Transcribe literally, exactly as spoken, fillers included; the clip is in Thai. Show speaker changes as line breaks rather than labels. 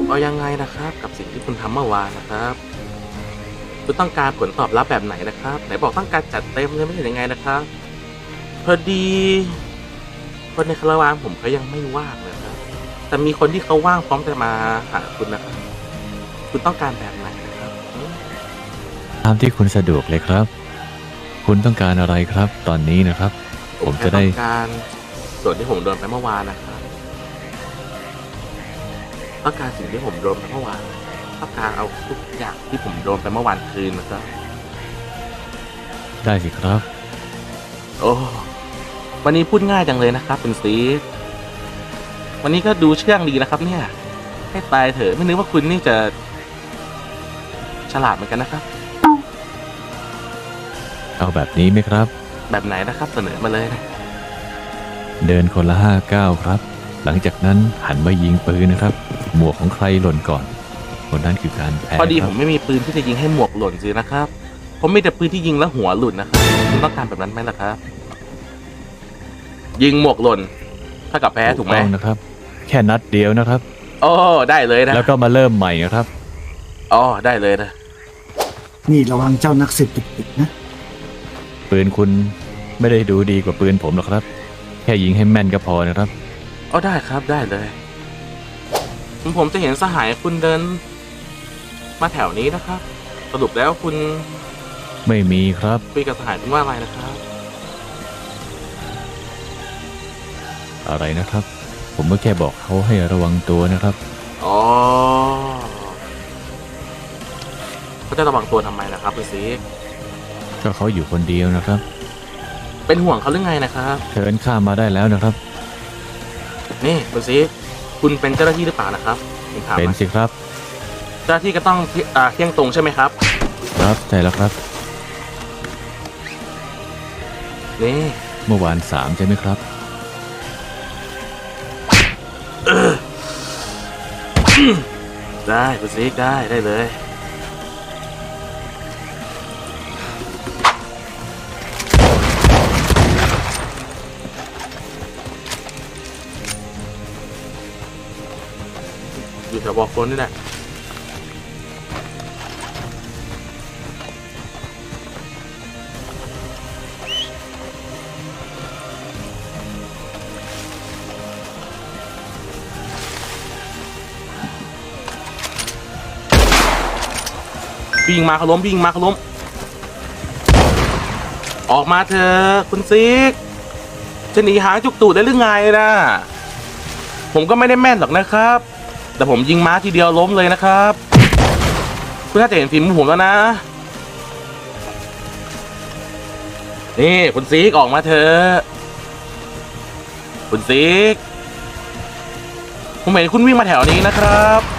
เอายังไงนะครับกับสิ่งที่คุณทำเมื่อวานนะครับคุณต้องการผลตอบรับแบบไหนนะครับไหนบอกต้องการจัดเต็มเลยไม่ใช่ยังไงนะครับพอดีคนในคาราวานผมเขายังไม่ว่างเลยครับแต่มีคนที่เขาว่างพร้อมจะมาหาคุณนะครับคุณต้องการแบบไหนนะครับ
ตามที่คุณสะดวกเลยครับคุณต้องการอะไรครับตอนนี้นะครับผมจะได้
ต้องการส่วนที่ผมโดนไปเมื่อวานนะครับต้องการสิ่งที่ผมโดนไปเมื่อวานต้องการเอาทุกอย่างที่ผมโดนไปเมื่อวานคืนนะครับ
ได้สิครับ
โอ้วันนี้พูดง่ายจังเลยนะครับเป็นซีวันนี้ก็ดูเชื่องดีนะครับเนี่ยให้ตายเถอะไม่นึกว่าคุณนี่จะฉลาดเหมือนกันนะครับ
เอาแบบนี้ไหมครับ
แบบไหนนะครับเสนอมาเลยนะ
เดินคนละห้าก้าวครับหลังจากนั้นหันมายิงปืนนะครับหมวกของใครหล่นก่อนคนนั้นคือการแพ้
พอดีผมไม่มีปืนที่จะยิงให้หมวกหล่นสินะครับผมมีแต่ปืนที่ยิงแล้วหัวหลุดนะครับคุณต้องการแบบนั้นไหมล่ะครับยิงหมวกหล่นถ้ากับแพ้ถูกไหม
นะครับแค่นัดเดียวนะครับ
โอ้ได้เลยนะ
แล้วก็มาเริ่มใหม่นะครับ
อ๋อได้เลยนะ
นี่ระวังเจ้านักสืบติดๆนะ
ปืนคุณไม่ได้ดูดีกว่าปืนผมหรอกครับแค่ยิงให้แม่นก็พอนะครับ
อ๋อได้ครับได้เลยผมจะเห็นสหายคุณเดินมาแถวนี้นะครับสรุปแล้วคุณ
ไม่มีครับ
คุยกับสหายคุณว่าอะไรนะครับ
อะไรนะครับผมก็แค่บอกเขาให้ระวังตัวนะครับ
อ๋อเขาจะระวังตัวทำไมนะครับคุณซี
ก็เขาอยู่คนเดียวนะครับ
เป็นห่วงเขาหรือไงนะครับ
เชิญข้ามมาได้แล้วนะครับ
นี่คุณซีคุณเป็นเจ้าหน้าที่หรือเปล่านะครับ
เป็นสิครับ
เจ้าหน้าที่ก็ต้องเที่ยงตรงใช่ไหมครับ
ครับใช่แล้วครับ
นี่
เมื่อวานสามใช่ไหมครับ
ได้คุณซีได้ได้เลยอยู่แถวบอกคนนี่แหละวิ่งมาเขาล้มวิ่งมาเขาล้มออกมาเถอะคุณซิกจะหนีหางจุกตูดได้หรือไงนะผมก็ไม่ได้แม่นหรอกนะครับแต่ผมยิงม้าทีเดียวล้มเลยนะครับคุณน่าจะเห็นฝีมือผมแล้วนะนี่คุณซิกออกมาเถอะคุณซิกผมเห็นคุณวิ่งมาแถวนี้นะครับ